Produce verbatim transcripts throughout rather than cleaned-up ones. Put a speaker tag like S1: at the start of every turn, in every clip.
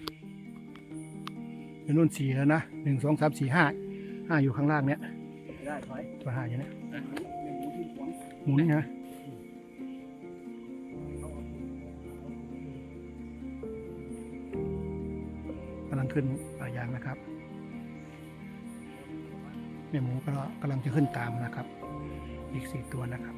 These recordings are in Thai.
S1: อยู่นู่นสี่แล้วนะหนึ่งสองสามสี่ห้าห้าอยู่ข้างล่างเนี้ย
S2: ได้ถอย
S1: ตัวห้าอย่างเนี้ย
S2: หมูที่หวง
S1: หมุนนะกำลังขึ้นป่ายางนะครับแม่หมูก็กำลังจะขึ้นตามนะครับ อีกสี่ตัวนะครับ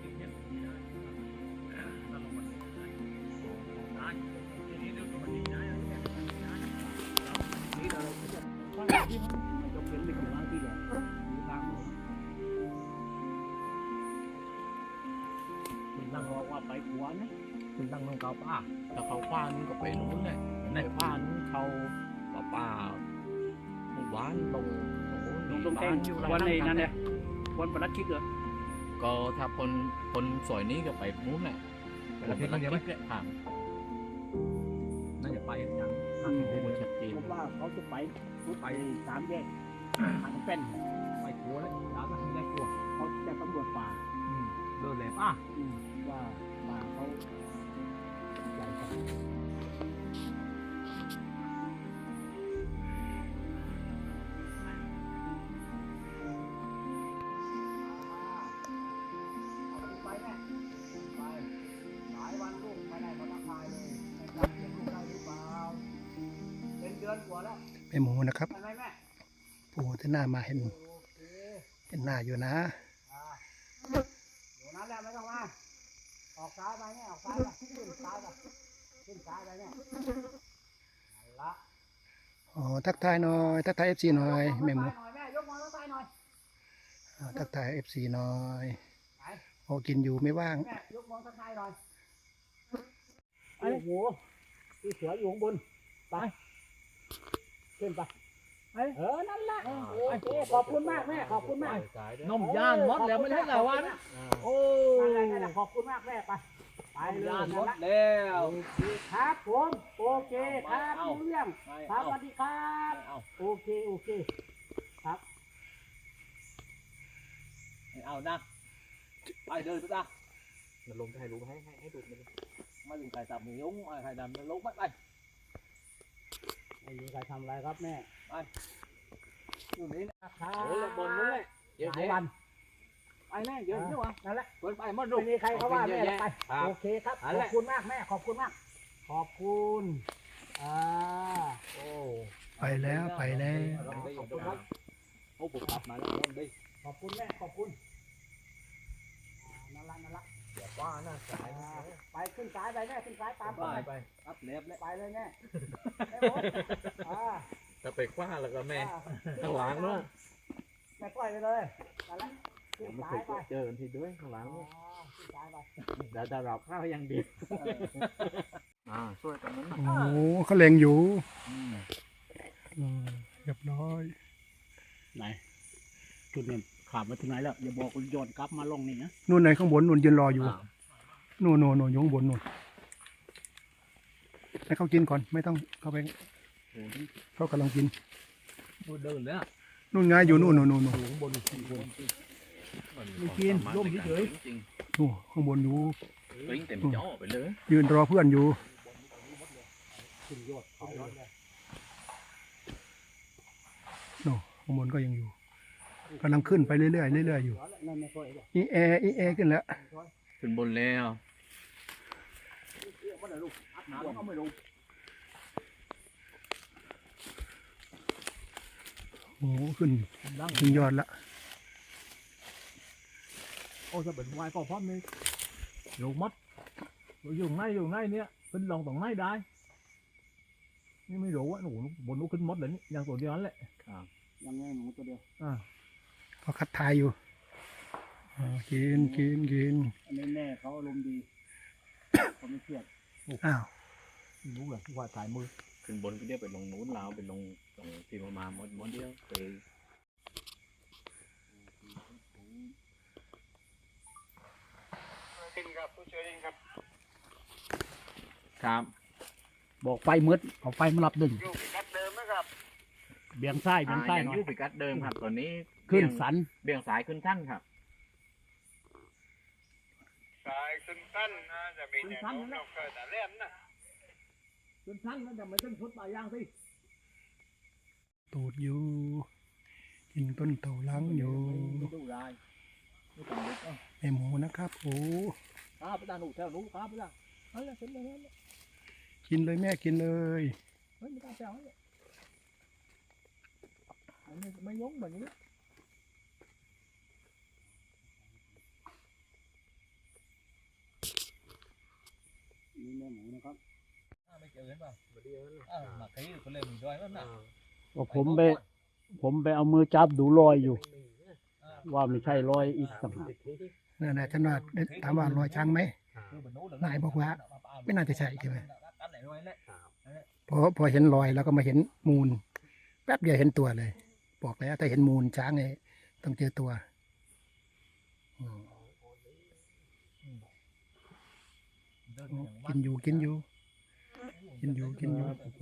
S2: นั่งรอว่าไปขวานะคุณนั่งลงเขาป้าถ้าเขาป้านู้นก็ไปนู้นเลยในป้านู้นเขาป้าป้าหมู่บ้านตรงโอ้โหตรงแท่งวันในนั้นเนี่ยวันประลัดคิดเหรอก็ถ้าคนคนสวยนี้ก็ไปนู้นแหละประลัดคิดเนี่ยผ่านน่าจะไปอย่างนั้นชัดเจนเพราะว่าเขาจะไปไปสามแยกทางเป็นไปกลัวเลยสามแยกกลัวเขาจะตำรวจป่าเดินเลยป่ะว่าป่าเขาใหญ่กว่าไปแม่ไปหลายวันลูกไม่ได้มาทักทายเลยไม่จำเป็นลูกได้หรือเปล่าเป็นเดือนกว่าแล้ว
S1: แม่หมูนะครับ
S2: ไปไหมแม่
S1: ปู่ที่หน้ามาเห็นเห็นหน้าอยู่นะ
S2: อยู่นั้นแล้วไม่ต้องมาออกซ้ายไปเนี่ยออกซ้ายไปขึ้นซ้ายไปขึ้นซ้ายไปเนี่ยนั่นละ
S1: อ๋อทักทายหน่อยทักทายเอฟซีหน่อยแม่หมู
S2: แม่ยกมือทักทายหน่อย
S1: ทักทายเอฟซีหน่อยโอ้กินอยู่ไม่ว่าง
S2: แม่ยกมือทักทายหน่อยโอ้โหที่เสืออยู่ข้างบนไปขึ้นไปเออนั่นแหละโอเคขอบคุณมากแม่ขอบคุณมากนมย่านมดแล้วไม่ใช่เหรอวะนะโอ้นั่นแหละขอบคุณมากแม่ไปไปย่านมดแล้วครับผมโอเคครับรู้เรื่องครับสวัสดีครับโอเคโอเคครับเอานะไปเดินไปจ้ะมันลงให้รู้ให้ให้ให้ดูมันไม่ถึงใครจับมือยุ้งใครดำมันลงไปไปไม่มีใครทำอะไรครับแม่ไปอยู่นี่นะครับบนนู้นเลยเดี๋ยววันไปแม่เดี๋ยวเดี๋ยวนั่นแหละคนไปมันไม่มีใครเขาว่าแม่ไปโอเคครับขอบคุณมากแม่ขอบคุณมากขอบคุณอ่าโอ้
S1: ไปแล้วไปแล้ว
S2: ขอบคุณครับโอ้ผมกลับมาแล้วนั่นดิขอบคุณแม่ขอบคุณนั่นละนั่นละเดี๋ยวป้าหน้าสายไปขึ้นสายไปแม่ขึ้นสายตามไปไปรับเล็บเลยไปเลยแม่จะไปคว้าแล้วก็แม่ข้างหลังเนาะแม่ปล่อยไปเลยนั่นแหละขึ้นสายไปเจอกันทีด้วยข้างหลังขึ้นสายไปเดี๋ยวจะเราข้าวยังดีอ่าช่วยกันนั้น
S1: โอ้เขาเล็งอยู่เรียบร้อย
S2: ไหนจุดนี้ขาดมาถึงไหนแล้วอย่าบอกโยนกลับมาลงนี่นะ
S1: นู่นไหนข้างบนนู่นยืนรออยู่นู่นนู่นนู่นอยู่ข้างบนนู่นให้เขากินก่อนไม่ต้องเข้าไปเขากำลังกิน
S2: เดินแล้ว
S1: นู่นไงอยู่นู่นนู่นนู่นนู่น
S2: ข้างบนไม่กินร่มเฉย
S1: นู่นข้างบนอยู่
S2: เต็มจ่อไปเลย
S1: ยืนรอเพื่อนอยู่นู่นข้างบนก็ยังอยู่กำลังขึ้นไปเรื่อยๆเรื่อยๆอยู่อีแออีแอขึ้นแล้ว
S2: ขึ้นบนแล้ว
S1: โอ้ขึ้นขึ้นยอดละ
S2: โอ้จะเป็นวายก็พร้อมเลยลงมัดอยู่ไหนอยู่ไหนเนี้ยขึ้นลงตรงไหนได้นี่ไม่รู้ว่าหนูบนนู้นขึ้นมัดเลยนี่ยังตัวเดียวนั่นแหละยังไงหนูตัวเดียวอ่า
S1: เขาคัดทายอยู่กินกินกิน
S2: อันนี้แม่เขาอารมณ์ดีเขาไม่เครียด
S1: อ้าว
S2: รู้เหรอว่าถ่ายมือขึ้นบนก็เรียกไปลงนู้นลาวไปลงตรงที่มามาหมดหมดเดียวไปครับผู้ช่วยครับครับบอกไฟมืดเอาไฟมารับดึงอยู่พิกัดเดิมนะครับเบี่ยงซ้ายเบี่ยงซ้ายหน่อยอยู่พิกัดเดิมครับตอนนี้ขึ้นสันเบี่ยงสายขึ้นท่านครับสายขึ้นท่านนะจะมีแนวโน้มเราเคยแต่เล่นนะขึ้ต้นสั้นแล้วแต่ไม่ต้นพุทธปลายางสิ
S1: ตูดอยู่กินต้นเต่าล้างอยู่
S2: ไม่ดูลายไม่ต้องลึกอ่ะ
S1: แม่หมูนะครับโอ้
S2: ข้าไปตาหนูแถวหนูข้าไปละนั่นแหละเสร็จแล้วนั่นแหละ
S1: กินเลยแม่กินเลย
S2: เฮ้ยไม่ต้องแซวเลยไม่ไม่ยงแบบนี้นี่แม่หมูนะครับไม่เจอเห็นป่ะมาดีแล้วอ่ามาขี้คนเลยมีด้วยมั้งน่ะ
S3: ว่าผมไปผมไปเอามือจับดูรอยอยู่ ว่าไม่ใช่รอยอีกต่างหาก
S1: นั่นแหละฉันว่าถามว่ารอยช้างไหมนายบอกว่าไม่น่าจะใช่ใช่ไหมพอพอเห็นรอยแล้วก็มาเห็นมูลแป๊บเดียวเห็นตัวเลย บอกแล้วถ้าเห็นมูลช้างเนี่ยต้องเจอตัวอืมกินอยู่กินอยู่ กินอยู่กินอยู่
S3: ผม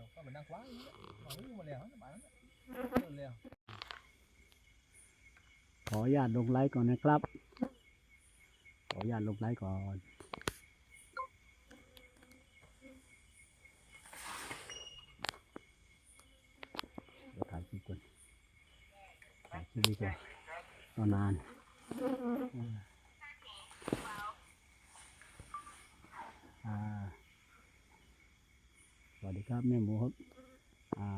S3: ขออนุญาตลงไลค์ก่อนนะครับ ขออนุญาตลงไลค์ก่อนเดี๋ยวถ่ายคลิปก่อนถ่ายคลิปดีกว่าตอนนานอ่าสวัสดีครับแม่หมูครับอ่า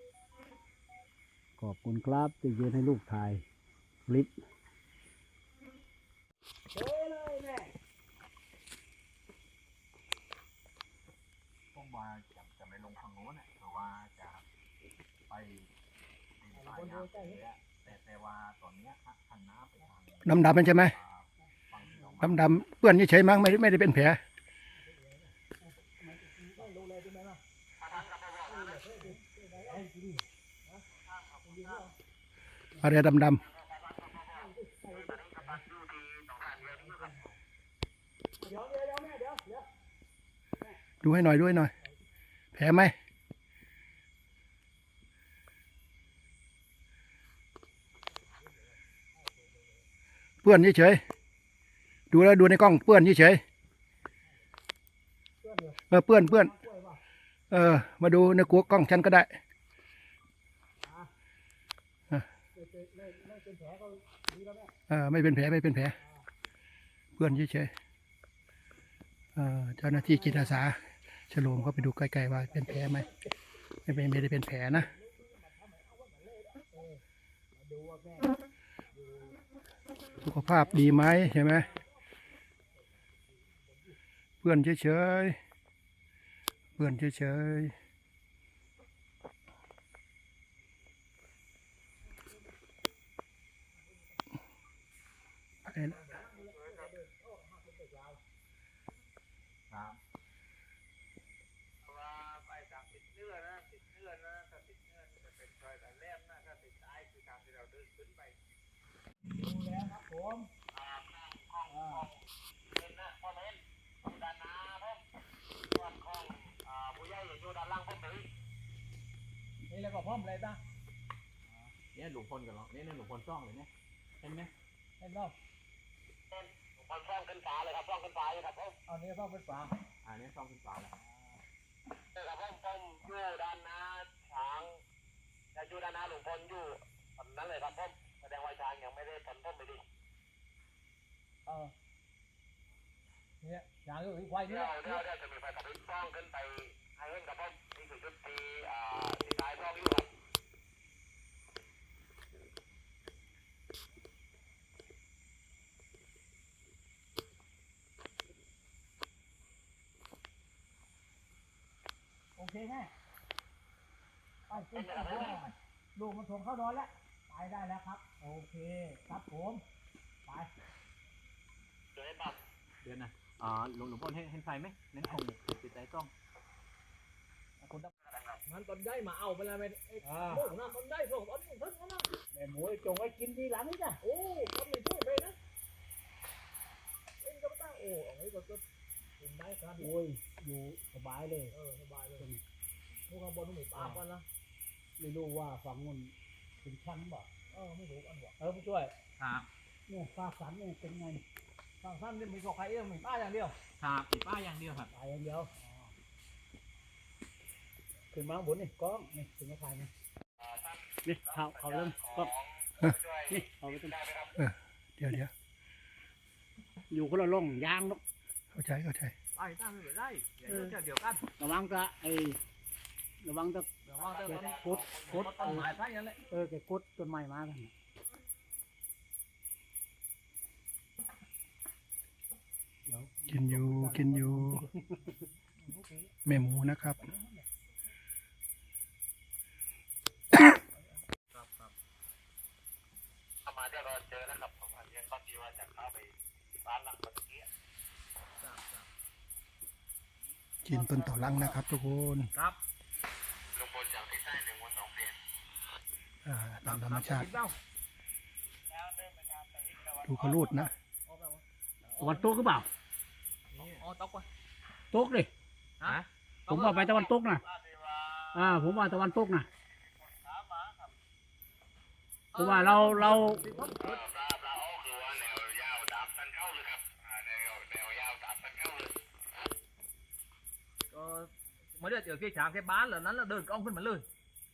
S3: ขอบคุณครับที่ยืนให้ลูกถ่ายคลิป
S2: ผมว่าจะจะไม่ลงทางโน้นเพราะว่าจะไปเป็นสายน้ำแต่แต่ว่าตอนนี้ขันน้ำไปทาง
S1: ดำดำมันใช่ไหมดำดำเปื้อนเฉยๆมั้งไม่ได้ไม่ได้เป็นแผลอะไรดำดำดูให้หน่อยด้วยหน่อย แผลไหมเปื้อนเฉยๆดูแล้วดูในกล้องเปื้อนเฉยๆเออเปื้อนเปื้อนเออมาดูในกล้องฉันก็ได้เออไม่เป็นแผลไม่เป็นแผลเปื้อนเฉยๆเออเจ้าหน้าที่จิตอาสาฉลองเขาไปดูใกล้ๆว่าเป็นแผลไหมไม่เป็นไม่ได้เป็นแผลนะสุขภาพดีไหมใช่ไหมเพื่อนเฉยๆเพื่อนเฉยๆไปละ
S2: นี่แล้วก็พร้อมเลยจ้ะเนี่ยหลวงพลกันหรอเนี่ยหลวงพลซ่องเลยเนี่ยเห็นไหมเห็นป่ะหลวงพลซ่องขึ้นฟ้าเลยครับซ่องขึ้นฟ้าเลยครับผมเอาเนี่ยซ่องขึ้นฟ้าอ่าเนี่ยซ่องขึ้นฟ้าเลยครับผมผมอยู่ด้านหน้าช้างจะอยู่ด้านหน้าหลวงพลอยู่ตอนนั้นเลยครับผมแสดงว่าช้างยังไม่ได้ผลพ่มไปดิเออเนี่ยช้างอยู่ที่ควายนี่เดี๋ยวเดี๋ยวจะมีไฟกระพริบซ่องขึ้นไปให้เห็นกับผมนี่คือชุดที่อ่าที่ท้ายซ่องอยู่ครับโอเคแม่ไปขึ้นไปลูกมันส่งเข้านอนแล้วไปได้แล้วครับโอเคครับผมไปเดี๋ยวให้ปั๊บเดี๋ยวนะอ่าหลวงหลวงพ่อเห็นเห็นไฟไหมเน้นคงติดใจกล้องคุณต้องมันตอนได้มาเอาไปแล้วไหมโอ้นะตอนได้ส่งตอนนี้ท่านนะแม่หมูจงไว้กินทีหลังนี่จ้ะโอ้ตอนนี้ช่วยไปนะเอ็งก็ไม่ต้องโอ้ไอ้ก็ก็กินได้ครับโอ้ยอยู่สบายเลยเออสบายเลยพวกข้างบนต้องมีปากกันนะไม่รู้ว่าฝั่งนู้นเป็นชั้นบ่เออไม่รู้อันบ่เออผู้ช่วยครับเนี่ยฝากสันเนี่ยเป็นไงฝากสันเนี่ยมีกอกไข่เอี้ยมีป้าอย่างเดียวครับมีป้าอย่างเดียวครับป้าอย่างเดียว
S3: ขึ้นมาบนนี่กล้องนี่ขึ้นมาถ่ายนี่นี่เขาเขาเริ่มกล้องนี่เขาไปตรง
S1: เดี๋ยวเดี๋ยว
S3: อยู่คนละร่องยางเนาะ
S1: เข้าใจเข้าใจ
S2: ไปตั้งไม่ได้เดี๋ยวเดี๋ยวกัน
S3: ระวังจะไอระวังจะ
S2: เดี๋ยวว่าจะ
S3: แกกดกด
S2: ต้นไม้ใช่ยังไง
S3: เออแกกดต้นไม้มากันเดี๋ยว
S1: กินอยู่กินอยู่แม่หมูนะครับ
S2: มาเดี๋ยวเราเจอแล้วครับผมอันนี้ตอนที่ว่าจะเข้าไปร้านหลังเมื่อกี้
S1: กินต้นต่อลังนะครับทุกคน
S2: ครับลุงพลจากที่ใต้หนึ่งวันสองเปลี่ยน
S1: อ่าตามธรรมชาติดูเขารูดนะ
S3: ตะวันตกหรือเปล่า
S2: อ๋อตกวะ
S3: ตกดิผมว่าไปตะวันตกนะอ่าผมว่าตะวันตกนะเพราะว่าเราเรา
S2: ก็mới được ở kia chàng cái bán là nó là đơn conขึ้นมาเลย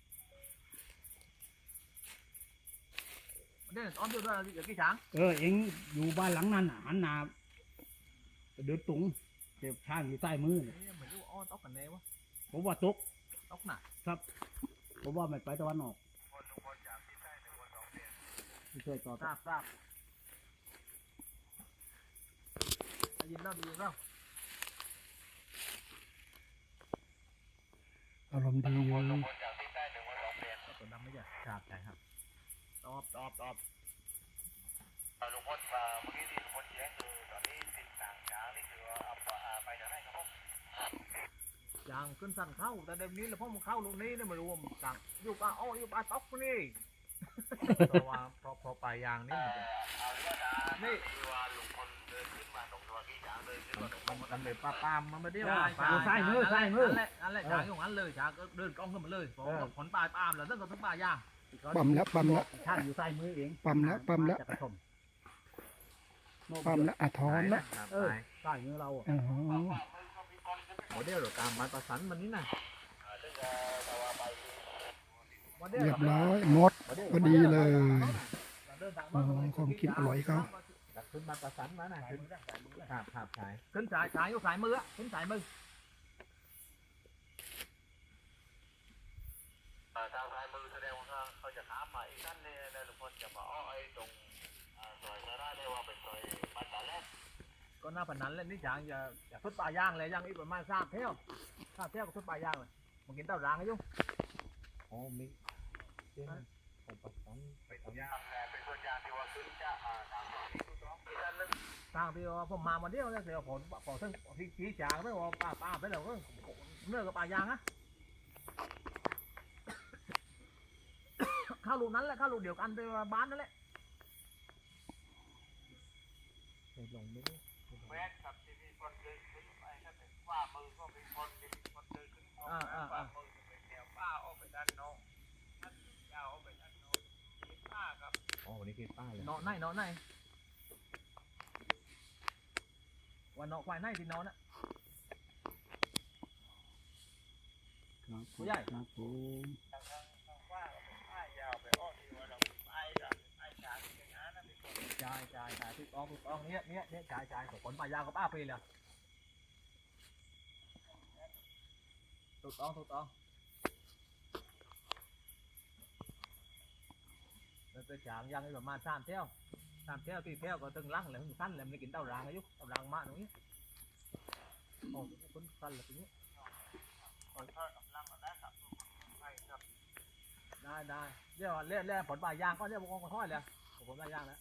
S2: đây là con đưa ra ở kia chàng
S3: เออเอ็งอยู่บ้านหลังนั้นอ่ะหันหน้าเดินตรงเจ็บทางอยู่ใต้มือเนี่ย
S2: mình cứ o tóc cần nè quá
S3: ผมว่าตก
S2: tóc nè
S3: ครับผมว่าไม่ไปตะวันออกไม่ช่วยต่อ
S2: sạp sạp nhìn đâu nhìn đâu
S1: อารมณ์ดีอยู่
S2: ตัวดำไม่ใช่ครับใช่ครับตอบตอบตอบ
S4: ลุงพลเมื่อกี้ที่ลุงพลแจ้งคือตอนนี้สิ่งต่างๆนี่คือเอาไปจากไหนครับผม
S2: อย่างขึ้นสั่นเข้าแต่เดี๋ยวนี้เราพ่อมันเข้าลูกนี้เนี่ยมารวมสั่งยุบอ่ะอ้อยุบอ่ะตอกนี่เพราะว่าพอพอปลายยางนี่นี่
S4: ที่ว่าลุงพลเดินขึ้นมาตรงตัวที่ช้างเดินขึ้นมาตรง
S2: มันมันเลยปลาปามมันไม่ได้
S3: ใส่มือใส่มือ
S2: นั่นแหละนั่นแหละช้างอย่างนั้นเลยช้างก็เดินกล้องขึ้นมาเลยพอผลปลายปามแล้วนั่นก็ทั้งปลายยาง
S1: ปั๊มแล้วปั๊มแล้ว
S3: ท่านอยู่ใต้มือเอง
S1: ปั๊มแล้วปั๊มแล้ว
S3: จะกระทม
S1: ปั๊มแล้วอ่ะถอนแล้ว
S3: เออใต้มือเราอ่ะ
S1: อ๋อ
S2: โมเดลหรือการมาประสานมันนี่นะ
S1: เรียบร้อยหมดพอดีเลยอ๋อของกินอร่อยเขา
S2: ขึ้นมาประสานมานะขึ้นขาบขาบสายขึ้นสายสายอยู่สายมือขึ้นสายมือ
S4: ทางซ้ายมือแสดงว่าเขาจะถามมาอีกท่านเนี่ยลุงพลจะมาอ้อไอ้ตรงซอยนาราได้ว่าเป็นซอยบ้านตาแรก
S2: ก็น่าพนันเล่นนี่ช้างอย่าอย่าทุบปลายยางเลยยางอีกประมาณสามเที่ยวสามเที่ยวก็ทุบปลายยางเลยมันกินเต้ารางไอ้ยุ่ง
S3: อ๋อมี
S4: เป็นส่วนยางเป็นส่วนยางที่ว่าขึ้นจะทางที่ถูกต้องที่ด้านลึก
S2: ทางที่ว่าผมมาวันเดียวแล้วเสียผลผลทั้งที่ชี้จางไม่ว่าป้าป้าไปแล้วก็เนื้อกับปลายางอะข้าวลูกนั้นแหละข้าวลูกเดียวกันไปบ้านนั่นแหละ
S3: ลงไม่
S4: แม้กับที่มีคนเดินขึ้นไปถ้าเป็นว่ามือก็มีคนมีคนเดินขึ้นว่ามือจะเป็นแนวป้าออกไปด้านนอกท่านยาวออกไปด้านนอกมีป้าครับ
S2: อ๋อวันนี้คือป้าเลยนอนไหนนอนไหนวันนอนควายไหนที่นอนอะ
S3: ครับ
S2: ผู้ใหญ่
S3: ครับผม
S4: ทางทางว่าก็เป็นป้ายาวไปอ้อที่ว่าเราไปกับไอ้ชาที่อย่างนั้นนะเป็นคน
S2: จ่ายจ่ายจ่ายทุกองทุกองเนี้ยเนี้ยเนี้ยจ่ายจ่ายของผลปลายางกับป้าไปเลยถูกต้องถูกต้องแล้วก็จางยังประมาณสามเที่ยวสามเที่ยวสี่เที่ยวก็ตึงลังเลยสั้นเลยไม่กินเต้ารางอายุเต้ารางมาตรงนี้โอ้คนสั้นเลยตรงนี้
S4: คนทอดกำลังเราได้ครับใช่ครับ
S2: ได้ได้เรียกว่าเรียกเรียกผลปลายยางก็เรียกว่าคนทอดเลยผลปลายยางแล้ว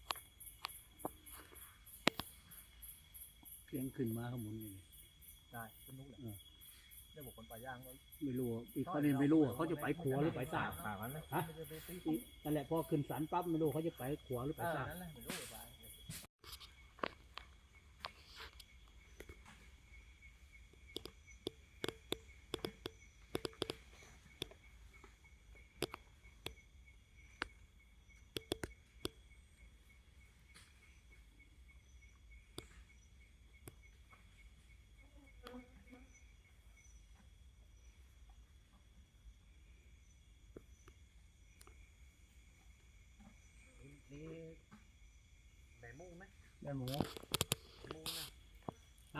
S3: เพียงขึ้นมาข้างบนนี่
S2: ได้ขึ้นนู้นเลยเรียกว่าผลปลายยางเลย
S3: ไม่รู้อีกประเด็นไม่รู้เขาจะไปขวาหรือไปซ้าย
S2: ปากนั้นเลย
S3: ฮะนั่นแหละพอขึ้นสันปั๊บไม่รู้เขาจะไปขวาหรือไป
S2: เออ
S3: ซ้าย
S2: นั่นแหละไม่รู้เลยไป
S3: ได้หมูฮะ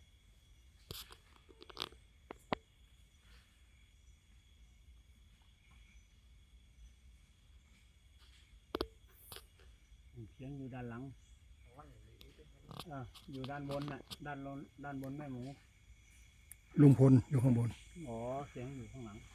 S3: เสียงอยู่ด้านหลังเอออยู่ด้านบนน่ะด้านบนด้านบนแม่หมู
S1: ลุงพลอยู่ข้างบน
S3: อ๋อเสียงอยู่ข้างหลัง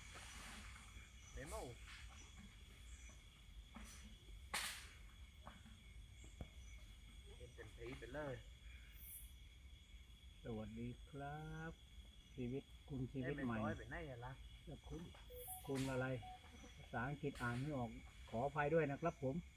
S3: สวัสดีครับชีวิตคุณชีวิตใหม่แล้วคุณคุณอะไรภาษาอังกฤษอ่านไม่ออกขออภัยด้วยนะครับผม